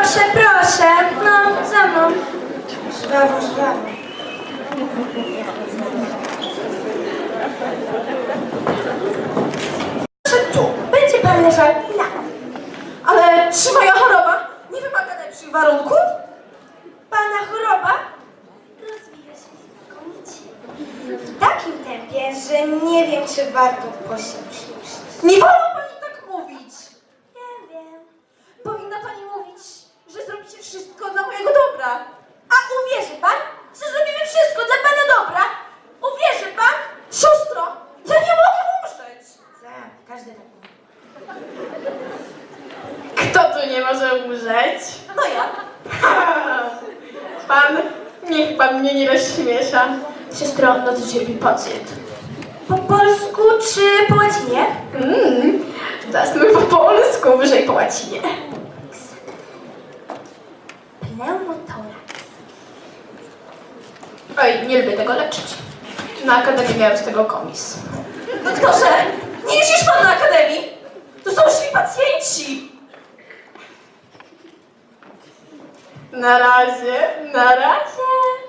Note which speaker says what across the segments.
Speaker 1: Proszę, proszę. No, za mną. Żwawo, żwawo.
Speaker 2: Proszę tu, będzie pan leżał na. Ale czy moja choroba nie wymaga lepszych warunków?
Speaker 1: Pana choroba rozwija się znakomicie. W takim tempie, że nie wiem, czy warto po się przyjrzeć.
Speaker 2: Nie wolno pani tak mówić.
Speaker 1: Wiem.
Speaker 2: Powinna pani mówić, że zrobicie wszystko dla mojego dobra.
Speaker 1: A uwierzy pan, że zrobimy wszystko dla pana dobra? Uwierzy pan?
Speaker 2: Siostro, ja nie mogę umrzeć.
Speaker 1: Tak, każdy tak mówi.
Speaker 3: Kto tu nie może umrzeć?
Speaker 2: No ja.
Speaker 3: Pan, niech pan mnie nie rozśmiesza. Siostro, no co cierpi pacjent?
Speaker 1: Po polsku czy po łacinie?
Speaker 3: Zasnój po polsku, wyżej po łacinie.
Speaker 1: Pneumotoraks.
Speaker 3: Oj, nie lubię tego leczyć. Na akademii miałem z tego komis.
Speaker 2: Doktorze, nie jeździsz pan na akademii? To są źli pacjenci.
Speaker 3: Na razie, na razie.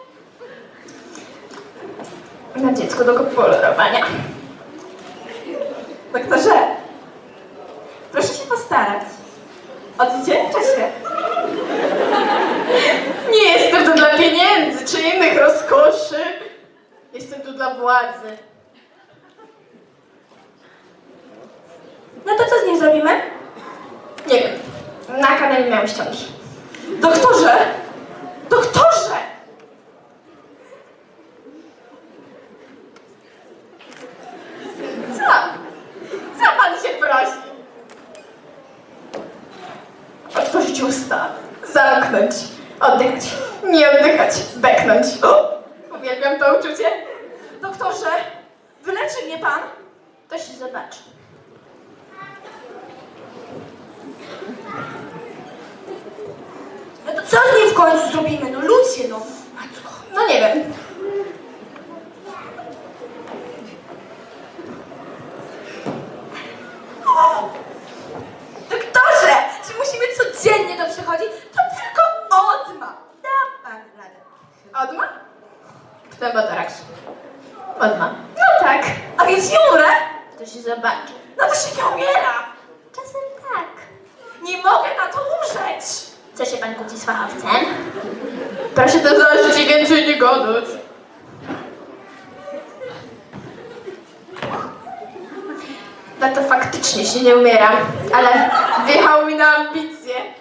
Speaker 3: Na dziecko do kolorowania.
Speaker 2: Doktorze, proszę się postarać. Odwdzięczę się.
Speaker 3: Nie jestem tu dla pieniędzy czy innych rozkoszy. Jestem tu dla władzy.
Speaker 1: No to co z nim zrobimy?
Speaker 3: Nie wiem. Na akademii miałem ściągi.
Speaker 2: Doktorze! Doktorze!
Speaker 3: Co? Co pan się prosi? Otworzyć usta, zamknąć, oddychać, nie oddychać, beknąć. Uwielbiam to uczucie.
Speaker 2: Doktorze, wyleczy mnie pan?
Speaker 3: To się zobaczy.
Speaker 1: No to co z nim w końcu zrobimy? No ludzie, no. Matko.
Speaker 3: No nie wiem.
Speaker 2: Doktorze, czy musimy codziennie to przychodzić? To tylko odma.
Speaker 1: Da pan radę.
Speaker 3: Odma? Pneumotoraksu. Odma. No tak.
Speaker 2: A więc nie umrę?
Speaker 3: To się zobaczy.
Speaker 2: No to się nie umiera.
Speaker 1: Czasem tak.
Speaker 2: Nie mogę na to umrzeć.
Speaker 3: Co się pan kłóci z fachowcem? Proszę to założyć i więcej nie gadać. No to faktycznie się nie umiera, ale wjechało mi na ambicje.